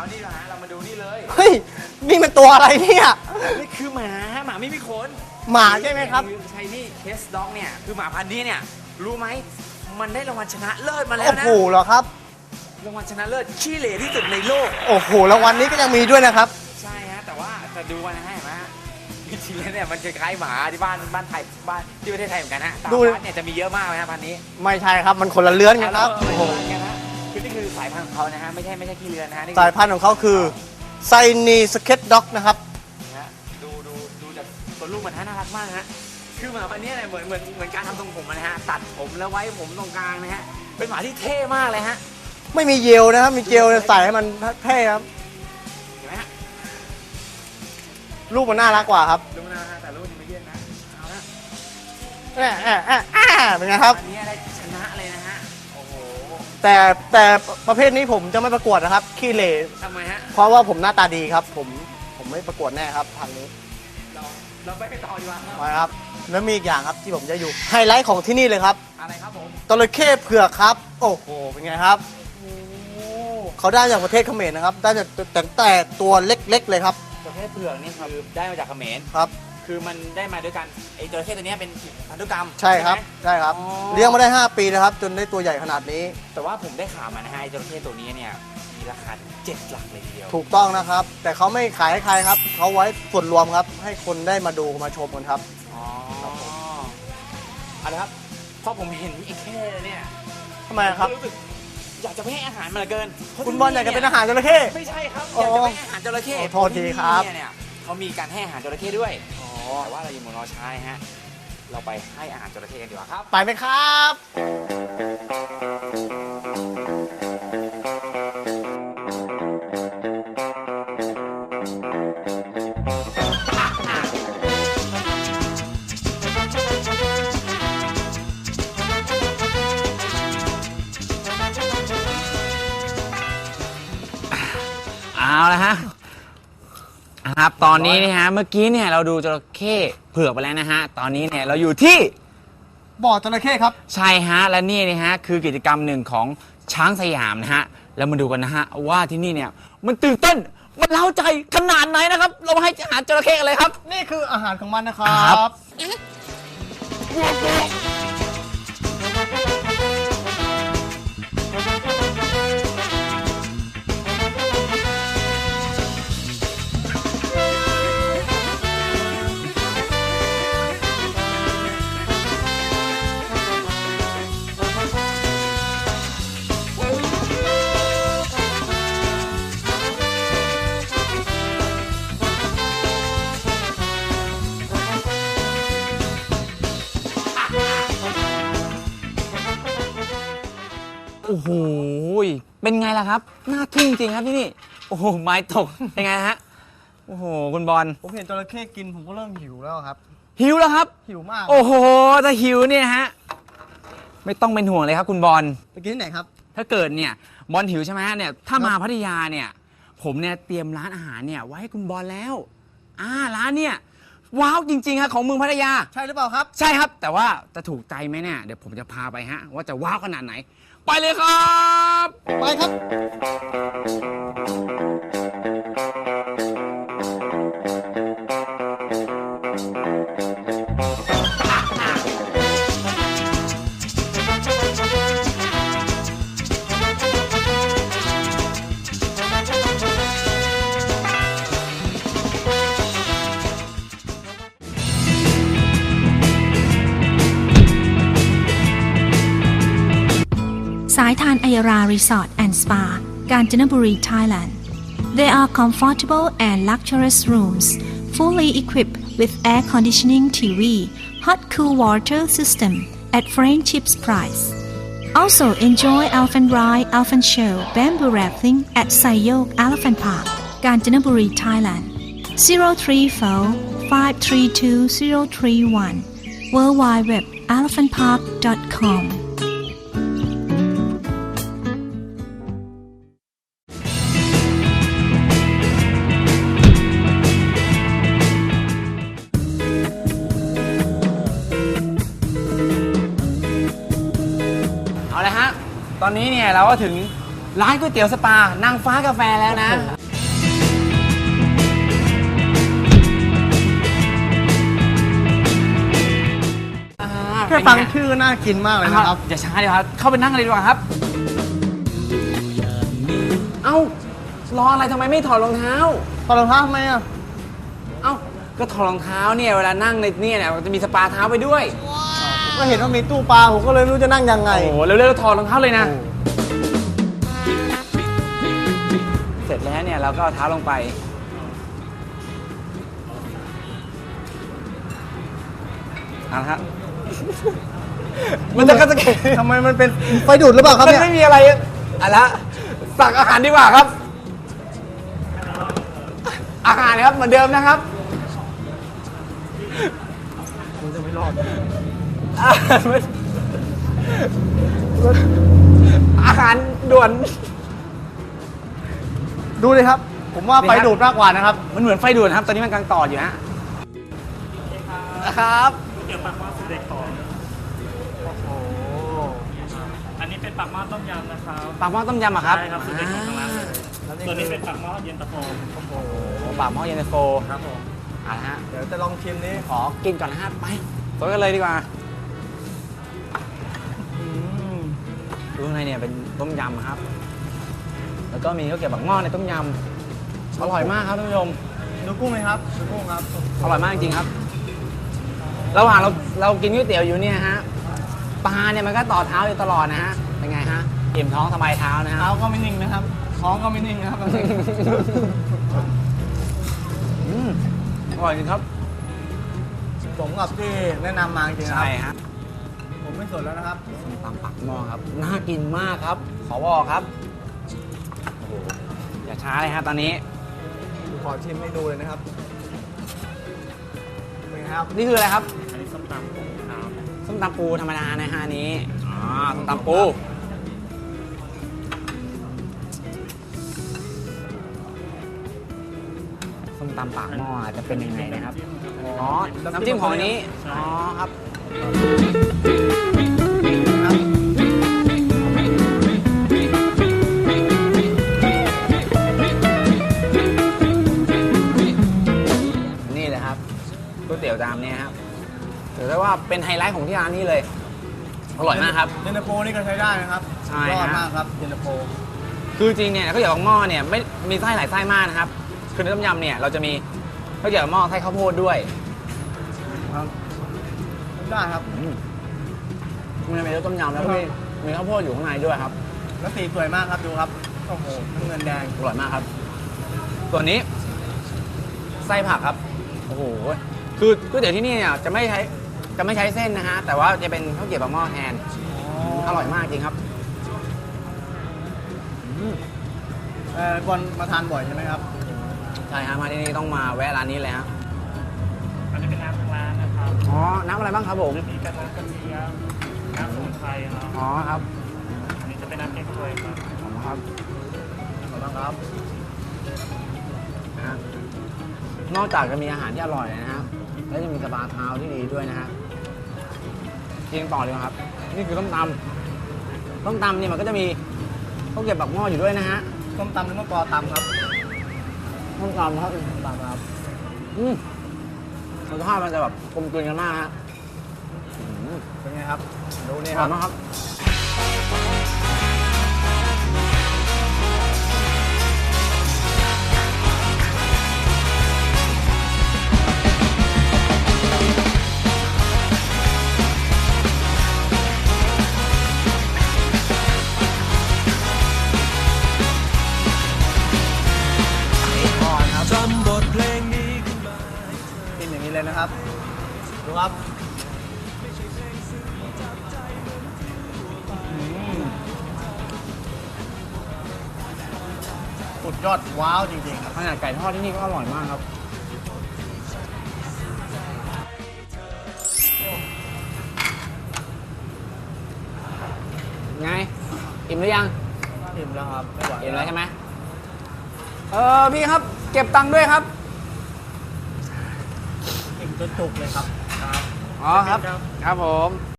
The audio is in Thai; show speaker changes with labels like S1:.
S1: เอานี่นะฮะเรามาดูนี่เลย
S2: เฮ้ยนี่มันตัวอะไรเนี่ย
S1: นี่คือหมาไม่มีขน
S2: หมาใช่ไหมครับ
S1: ใช่นี่เคสด็อกเนี่ยคือหมาพันธุ์นี้เนี่ยรู้ไหมมันได้รางวัลชนะเลิศมาแล้ว
S2: โอ้
S1: นะ
S2: โหเหรอครับ
S1: รางวัลชนะเลิศขี้เหร่ที่สุดในโลก
S2: โอ้โหรางวัลนี้ก็ยังมีด้วยนะครับ
S1: ใช่ฮะแต่ว่าจะดูกันนะฮะเห็นไหมฮะจริงๆแล้วเนี่ยมันคล้ายๆหมาที่บ้านไทยบ้านที่ประเทศไทยเหมือนกันฮะตาม
S2: ดู
S1: บ้านเนี่ยจะมีเยอะมากเลยฮะพันธุ์นี้
S2: ไม่ใช่ครับมันคนละเลื้อนกันครับ
S1: โอ้
S2: โอ้
S1: โห
S2: โห
S1: กันฮะคือนี่คือสายพันธุ์ของเขานะฮะไม่ใช่ขี้เรือนนะฮะนี่
S2: สายพันธุ์ของเขาคือไซนีสเก็ตด็อกนะครับ
S1: นะฮะดูจากตัวลูกมันฮะน่ารักมากฮะคือหมาพันธุ์นี้เนี่ยเหมือนการทำทรงผมนะฮะตัดผมแล้วไว้ผมตรงกลางนะฮะเป็นหมาที่เท่มากเลยฮะ
S2: ไม่มีเยลนะครับมีเจลใส่ให้มันเท่ครับ
S1: เห็นไหมฮะ
S2: รูปมันน่ารักกว่าครับ
S1: ดูนะฮะแต่ลูกยังไม่เยอะนะเอาละ
S2: เป็นไงครับ
S1: อันนี้ได้ชนะเลยนะฮะโอ้โห
S2: แต่ประเภทนี้ผมจะไม่ประกวดนะครับขี้เหร่
S1: ทำไมฮะ
S2: เพราะว่าผมหน้าตาดีครับ ผมไม่ประกวดแน่ครับพันนี้
S1: เราไปต่อดีกว่าครับ
S2: มาครับแล้วมีอีกอย่างครับที่ผมจะอยู่ไฮไลท์ของที่นี่เลยครับ
S1: อะไรครับผม
S2: จระเข้เผือกครับ โอ้โหเป็นไงครับ
S1: โอ้
S2: เขาได้จากประเทศเขมรนะครับได้จากแต่ตัวเล็กๆเลยครับ
S1: จระเข้เผือกนี่คือได้มาจากเขมร
S2: ครับ
S1: คือมันได้มาด้วยกันไอ้จระเข้ตัวเนี้ยเป็นพันธุกรรม
S2: ใช่ครับ
S1: ไหม
S2: ใช่ครับ
S1: อ๋อ
S2: เลี้ยงมาได้ 5 ปีนะครับ จนได้ตัวใหญ่ขนาดนี้
S1: แต่ว่าผมได้ข่าวมานะฮะไอ้จระเข้ตัวนี้เนี่ยมีราคาถึง7 หลักเลยทีเดียว
S2: ถูกต้องนะครับ แต่เขาไม่ขายให้ใครครับเขาไว้ส่วนรวมครับ ให้คนได้มาดูมาชมกันครับ
S1: อ๋อเอาละครับพอผมเห็นไอ้เข้เนี่ย
S2: ทำไมครับ
S1: ผมรู้สึกอยากจะไปให้อาหารมันเหลือเกินเพระ
S2: คุณบอลอยากจะเป็นอาหารจระเข้
S1: ไม่ใช่ครับ
S2: อ๋
S1: อ
S2: อ
S1: ยากจะไปให้อาหารจระเข้
S2: ขอโทษทีครับ
S1: เพาะที่เนี่ยเขามีการให้อาหารจระเข้ด้วย
S2: อ๋อ
S1: แต่ว่าเราอยู่เมืองรอช้านะฮะเราไปให้อาหารจระเข้กันดีกว่าครับ
S2: ไปไหมครับ
S1: เอาละฮะครับตอนนี้นะฮะเมื่อกี้เนี่ยเราดูจระเข้เผือกไปแล้วนะฮะตอนนี้เนี่ยเราอยู่ที่
S2: บ่อจระเข้ครับ
S1: ใช่ฮะและนี่นะฮะคือกิจกรรมหนึ่งของช้างสยามนะฮะแล้วมาดูกันนะฮะว่าที่นี่เนี่ยมันตื่นเต้นมันเล้าใจขนาดไหนนะครับ เรามาให้อาหารจระเข้กันเลยครับ
S2: นี่คืออาหารของมันนะครั
S1: ครับ
S2: บ
S1: โอ้โหเป็นไงล่ะครับน่าทึ่งจริงครับที่นี่โอ้โหไม้ตกเป็นไงฮะโอ้โหคุณบอล
S2: ผมเห็นจระเข้กินผมก็เริ่มหิวแล้วครับ
S1: หิวแล้วครับ
S2: หิวมาก
S1: โอ้โหถ้าหิวเนี่ยฮะไม่ต้องเป็นห่วงเลยครับคุณบอล
S2: ไปกินที่ไหนครับ
S1: ถ้าเกิดเนี่ยบอลหิวใช่ไหมฮะเนี่ยถ้ามาพัทยาเนี่ยผมเนี่ยเตรียมร้านอาหารเนี่ยไว้ให้คุณบอลแล้วร้านเนี่ยว้าวจริงๆครับของเมืองพัทยา
S2: ใช่หรือเปล่าครับ
S1: ใช่ครับแต่ว่าจะถูกใจไหมเนี่ยเดี๋ยวผมจะพาไปฮะว่าจะว้าวขนาดไหน ไปเลยครับ
S2: ไปครับ
S3: สายทานอัยรา Resort and Spa กาญจนบุรี Thailand. They are comfortable and luxurious rooms, fully equipped with air conditioning, TV, hot cool water system at friendship's price. Also enjoy elephant ride, elephant show, bamboo rafting at Sayok Elephant Park, Kanchanaburi, Thailand. 034-532-031 worldwideweb.elephantpark.com
S1: เอาละฮะตอนนี้เนี่ยเราก็ถึงร้านก๋วยเตี๋ยวสปานางฟ้ากาแฟแล้วนะ
S2: แค่ฟังชื่อน่ากินมากเลยนะครับ
S1: อย่าช้าเดี๋ยวครับเข้าไปนั่งเลยดีกว่าครับ เอ้ารออะไรทำไมไม่ถอดรองเท้า
S2: ตอนรองเท้าทำไมอ่ะ
S1: เอ้าก็ถอดรองเท้าเนี่ยเวลานั่งในเนี่ยมันจะมีสปาเท้าไปด้วย
S2: ก็เห็นว่ามีตู้ปลาผมก็เลยไม่รู้จะนั่งยังไง
S1: โอ้โหเร็วๆถอดรองเท้าเลยนะ เสร็จแล้วเนี่ยเราก็เอาเท้าลงไปเอาละครับ มันจะกระเก
S2: ทำไมมันเป็นไฟดูดหรือเปล่าครับ
S1: มัน
S2: เนี่ย
S1: ไม่มีอะไรอะละสั่งอาหารดีกว่าครับ อาหารนะครับเหมือนเดิมนะครับ
S2: ผมจะไม่รอด
S1: อาหารด่วน
S2: ดูเลยครับ ผมว่าไฟดูดมากกว่านะครับ
S1: มันเหมือนไฟด่วนครับ ตอนนี้มันกำลังต่ออยู่ฮะครับ
S4: เกี่ยวปากหม้อสูตรเด็กของ
S2: โอ้โห
S4: อันนี้เป็นปากหม้อต้มยำนะครับ
S1: ปากหม้อต้มยำอะครับ
S4: ใช่ครับสูตรเด็กของทางร้านเลยส่วนนี้เป็นปากหม้อเย็นตาโฟ
S2: โอ้โห
S1: โอ้ปากหม้อเย็นตาโฟ
S4: ครับผม
S1: อ่ะฮะ
S2: เดี๋ยวจะลองชิมนี้
S1: ขอกินก่อนนะฮะ ไปสดกันเลยดีกว่าดูข้างในเนี่ยเป็นต้มยำครับ แล้วก็มีข้าวเกรี๊ยวปากหม้อในต้มยำอร่อยมากครับท่านผู้ชม
S2: ดูกุ้งไหมครับดูกุ้งครับ
S1: อร่อยมากจริงๆครับ ระหว่างเรากินก๋วยเตี๋ยวอยู่เนี่ยฮะ ปลาเนี่ยมันก็ต่อเท้าอยู่ตลอดนะฮะ เป็นไงฮะอิ่มท้องสบายเท้านะฮะ
S2: เท้าก็ไม่นิ่งนะครับ ท้องก็ไม่นิ่งนะครับ
S1: อืมอร่อยจริงครับ
S2: สมกับที่แนะนำมาจริงๆนะค
S1: ใช่
S2: รับ
S1: ฮะ
S2: ผมไม่สนแล้วนะครับ
S1: ส้มตำปักหม้อครับ น่ากินมากครับ ขอบอกครับ โอ้โห อย่าช้าเลยฮะตอนนี้
S2: ขอชิมให้ดูเลยนะครับเป็นไงครับ
S1: นี่คืออะไรครับ
S4: อันนี้ส้มตำปูครับ
S1: ส้มตำปูธรรมดานะฮะอันนี้ อ๋อ ส้มตำปู ส้มตำปากหม้อจะเป็นยังไงนะครับ อ๋อ น้ำจิ้มของอันนี้ อ๋อครับ นี่เลยครับก๋วยเตี๋ยวจามเนี่ยครับถือได้ว่าเป็นไฮไลท์ของที่ร้านนี้เลย อร่อยมากครับ
S2: เย็นตาโฟนี่ก็ใช้ได้นะครับ
S1: ใช่
S2: ยอด
S1: ฮะ
S2: มากครับเย็นตาโฟ
S1: คือจริงเนี่ยข้าวเหนียวปากหม้อเนี่ยไม่มีไส้หลายไส้มากนะครับ คือในต้มยำเนี่ยเราจะมีข้าวเหนียวปากหม้อไส้ข้าวโพดด้วย
S2: ครับได้ครับ
S1: มันจะเป็นรสต้มยำแล้วก็มีข้าวโพดอยู่ข้างในด้วยครับ
S2: แล้วสีสวยมากครับดูครับ โอ้โหน้ำเงินแดง
S1: อร่อยมากครับ ส่วนนี้ไส้ผักครับ โอ้โห คือก๋วยเตี๋ยวที่นี่เนี่ยจะไม่ใช้เส้นนะฮะ แต่ว่าจะเป็นข้าวเกรี๊ยวปากหม้อแทน อร่อยมากจริงครับ
S2: บอลมาทานบ่อยใช่ไหมครับ
S1: ใช่ฮะมาที่นี่ต้องมาแวะร้านนี้เลยฮะ
S4: อันนี้เป็นน้ำทางร้านนะครับ
S1: อ๋อ น้ำอะไรบ้างครับผม
S4: มีกระน้ำกระเทียมน้ำสมุนไพรครับ
S1: อ๋อครับ
S4: อันนี้จะเป็นน้ำเก๊กฮวยครับ
S1: อ๋อครับ
S2: ขอบคุณครับ
S1: นะฮะนอกจากจะมีอาหารที่อร่อยนะฮะแล้วยังมีสปาเท้าที่ดีด้วยนะฮะกินต่อเลยครับ นี่คือต้มตำเนี่ยมันก็จะมีข้าวเกรี๊ยวปากหม้ออยู่ด้วยนะฮะ
S2: ต้มตำหรือมะกอตำครับ
S1: ต้มตำครับ
S2: ต้มตำครับ
S1: รสชาติมันจะแบบกลมกลืนกันมากฮะ
S2: เป็นไงครับ ดูนี่
S1: อ
S2: ค
S1: ร่
S2: รั
S1: อบ ยมากครับก่อนครับ
S2: กินอย่างนี้เลยนะครับ ดูครับสุดยอดว้าวจริงๆครับ
S1: ขนาดไก่ทอดที่นี่ก็อร่อยมากครับ ไง อิ่มหรือยัง
S2: อิ่มแล้วครับ ไม่ไหว
S1: อิ่มแล้วใช่ไหมพี่ครับ เก็บตังค์ด้วยครับ
S2: อิ่มจนจุกเลยครับ
S1: อ๋อครับ ครับผม